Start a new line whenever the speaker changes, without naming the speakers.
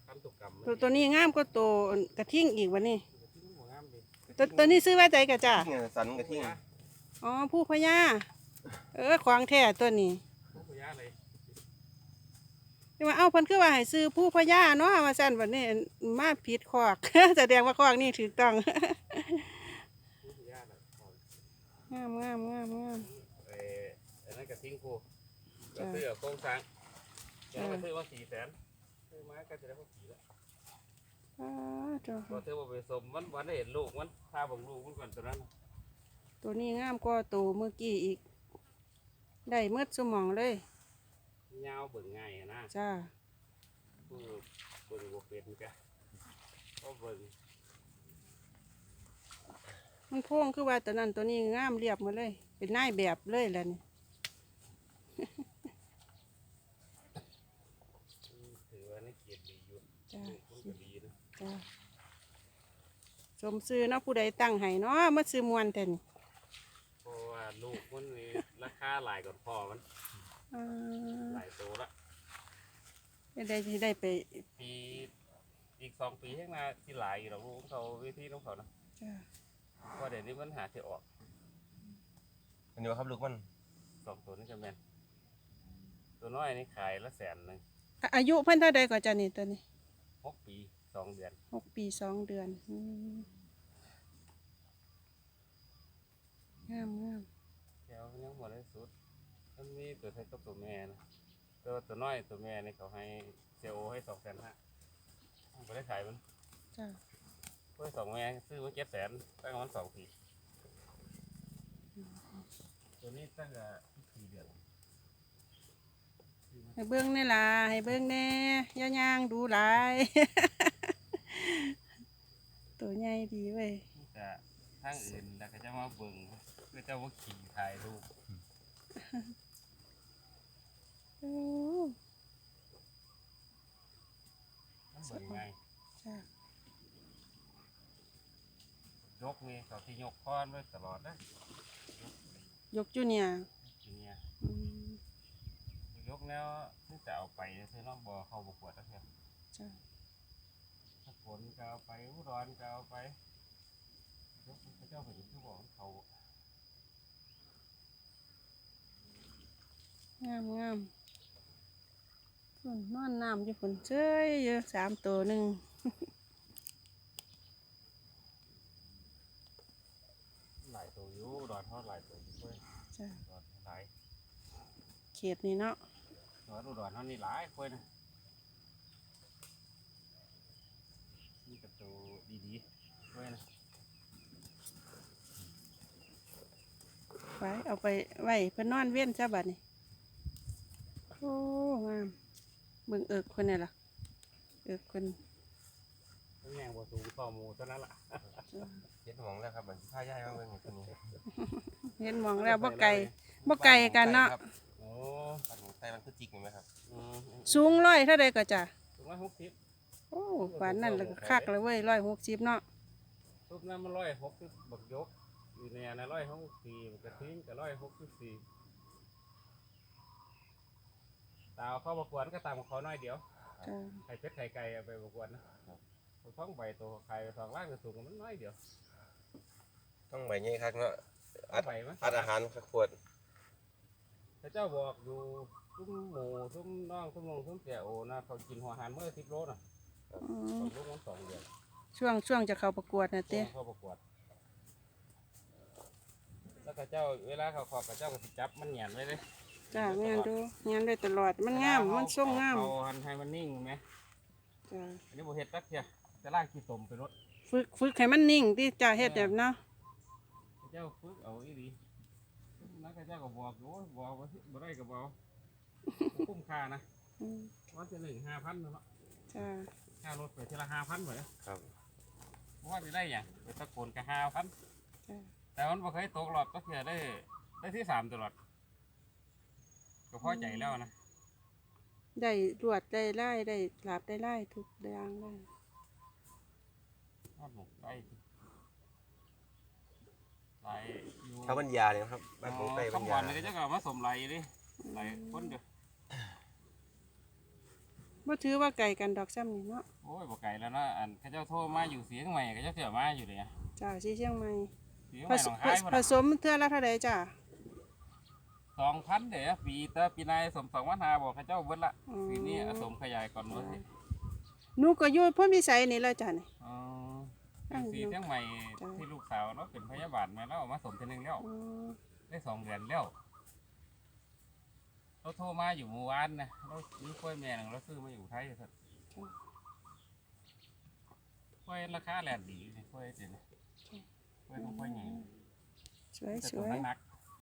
คันตุกกรรม
ตัวนี้งามก็ตัวกระทิ่งอีกวันนี้
งามดิ
ตัวนี้ซื้อไว้ใจกะจ้า
เนี่ยสันกระทิ่ง
อ๋อผู้พญาของแท้ตัวนี้
ผู้พยาเลย
ที่ว่าเอ้าเพิ่นคือว่าให้ซื้อผู้พญาเนาะว่าซั่นบัดนี้มาผิดคอก แสดงว่าคอกนี่ถูกต้อง
ผู้พยาเลย
งาม
อันนั้นกระทิ้งผู้ก็ซื้อโครงสร้างแล้วก็ซื้อว่า400,000ซื้อมาก็จะได้พอกี่แล้ว
จ้า
พอเธอว่าไปสมวันได้เห็นลูกมันพาบังลูกมันก่อนตัวนั้น
ตัวนี้งามกว่าตัวเมื่อกี้อีก ได้เมืดสมองเลย
ยาวเบิ่งง่ายนะ
จ้า
ผู้เบิ่งบ่เป็นกะก็เบิ่ง
มันโพ่งคือว่าตัวนั้นตัวนี้งามเรียบหมาเลย เป็นนายแบบเลยแหละนี่
ถือว่าในเกียรติดีอยู่
จ้า
มันก็ดีนะ
จ้าสมซื้อเนาะผู้ใดตั้งให้เนาะมาซื้อมวนแต่นี่
เพราะว่าลูกมันนี่ราคาหลายกว่าพ่อมันหลายตัวละ
ได้ไป
ปีอีก2 ปีข้างหน้าที่หลายอยู่หรอกลูกของเขาวิธีของเขานะ
จ้า
เพราะเดี๋ยวนี้มันหาที่ออก
อันนี้ว่าครับลูกมัน
2 ตัวนี่จะแม่นตัวน้อยนี่ขายละ100,000
อายุเพิ่นเท่าใดกว่าจ้านี่ตัวนี้
6 ปี 2 เดือน
6 ปี 2 เดือนงาม
แถวยังหมดเลยสุดมันมีตัวไทยกับตัวแม่นะตัวน้อยตัวแม่นี่เขาให้เซลให้250,000ไม่ได้ขายมัน
จ้า
เพื่อ2 แม่ซื้อมา700,000ตั้งมัน2 ปีตัวนี้ตั้งแต่4 เดือน
ให้เบิ้งแน่ล่ะให้เบิ้งแน่ย่างดูหลาย ตัวใหญ่ดีเว้ย
แต่ทางอื่นแล้วก็จะมาเบิ่งก็จะว่าขี่ถ่ายรูป
โอ้
มันเบิ่งไง
จ้าย
กนี่เขาที่ยกค้อนไว้ตลอดนะ
ยกจูเนียร์
ทีเนี้ย
อืม
ยกแล้วนี่จะเอาไปซื้อน้องบ่อเข้าประกวดแล้วเพียง
จ้า
ถ้าฝนก็เอาไปอุดรก็เอาไปยกพระเจ้าแผ่นดินที่บอกเขา
งามฝนนอนน้ำอยู่ฝนเจ้ยเยอะ3 ตัวหนึ่ง
หลายตัวอยู่อุดรทอดหลายตัวอยู่ด้วย
จ้า
อุดรหลาย
เขตนี้เนาะ
อุดรเท่านี้หลายคนนะนี่กับตัวดีๆด้วยนะ
ไปเอาไปไว้เพื่อนนอนเว้นจ้าบัดนี่โอ้งามเบิ่งคนนี่ล่ะคน
ต้องแย่งบ่สูงต่อหมูเท่านั้นล่ะ
เย็ดหมองแล้วครับเหมือนผ้าย่ายมาเบิ่งตัวนี้
เห็นหมองแล้วบ่ไกลกันเนาะ
โอ้
ปันหมูไส้มันคือจิกไหมครับ
สูง100เท่าใดก็จ้ะ
ถุงละ60
โอ้หวานนั่นแล้วก็คักเลยเว้ย160เนาะ
ทุบน้ำมัน160บักยกอยู่ในอันนั้น164บักกระทิ้งกับ164ตาเข้าประกวดก็ตามเขาน้อยเดียว
จ้า
ไข่เป็ดไข่ไก่เอาไปประกวดนะท้องใบตัวไข่2 ล้านก็สูงมันน้อยเดียว
ต้องใบใหญ่ครับเนาะ
ใบมั้ย
อัดอาหารขวด
พระเจ้าบอกอยู่ซุ้มหมูซุ้มน้องซุ้มลงซุ้มแก่โอนะเขากินหัวหานเมื่อ10 โลนะ
อืม
2 โลมัน2 เดือน
ช่วงจะเข้าประกวดนะเต้
เข้าประกวดแล้วข้าเจ้าเวลาเขาขอข้าเจ้าก็สิจับมันเหยียนไว้เลย
จ้างานดูงานได้ตลอดมันงามมันทรงงาม
เขาหันให้มันนิ่งไหม
จ้า
อันนี้บ่เฮ็ดตักเทียจะล่างขี้ตมไปรถ
ฝึกให้มันนิ่งที่จ้าเฮ็ดแบบเนาะ
ข้าเจ้าฝึกเอาอีหลีแล้วข้าเจ้าก็บอกอยู่บอกว่าบ่ได้ก็บอกคุ้มค่านะ
อืม
วันที่1 5,000เนาะ
จ้า
ค่ารถไปทีละ5,000เหมือน
ครับ
ว่าจะได้หยังไปตะโกนก็5,000
จ้า
แต่มันบ่เคยตกหลอดก็เทียได้ที่3ตลอดก็พอใจแล้วนะ
ได้รวดได้ไล่ได้หลาบได้ไล่ทุกอย่างได้
ทอดหมูได้หลายอยู่
ชาวบัญญาเนี่ยครับบ้านหมูไส้บัญ
คำ
ญา
วันนี่ก็จะกลับมาสมไหลดิไหลคนเดียว
บ่ถือว่าไก่กันดอกซ้ำนี่เนาะ
โอ้ยบ่ไกลแล้วเนาะอันเขาเจ้าโทรมาอยู่เสียงใหม่เขาเจ้าเที่ยวมาอยู่เลย
จ้าที่เชียงใหม่
เสียง
ผ
ใหม่
ส
หนอ
ม
งคายพุ่น
ผ
น่ะ
สมเทื่อละเท่าใดจ้า
2,000เด้อปีแต่ปีนายสม2,500บอกเขาเจ้าเบิดละปีนี้สมขยายก่อนเบิดสิ
หนูก็อยู่พ่นพิสัยนี่แหละจ้ะนี่
อ๋ออยู่สีเชียงใหม่ที่ลูกสาวเนาะเป็นพยาบาลแม่แล้วเอามาสมเทีนึงแล้ว
อืม
ได้2 เดือนแล้วเราโทรมาอยู่เมื่อวานนะเรามีกล้วยแม่หนึงเราซื้อมาอยู่ไทยครับกล้วยราคาแหลนดีนี่กล้วยเจ๋งกล้วยต้องกล้วยใหญ่
สวย
แต่
ส
ตัว
วย
นักๆ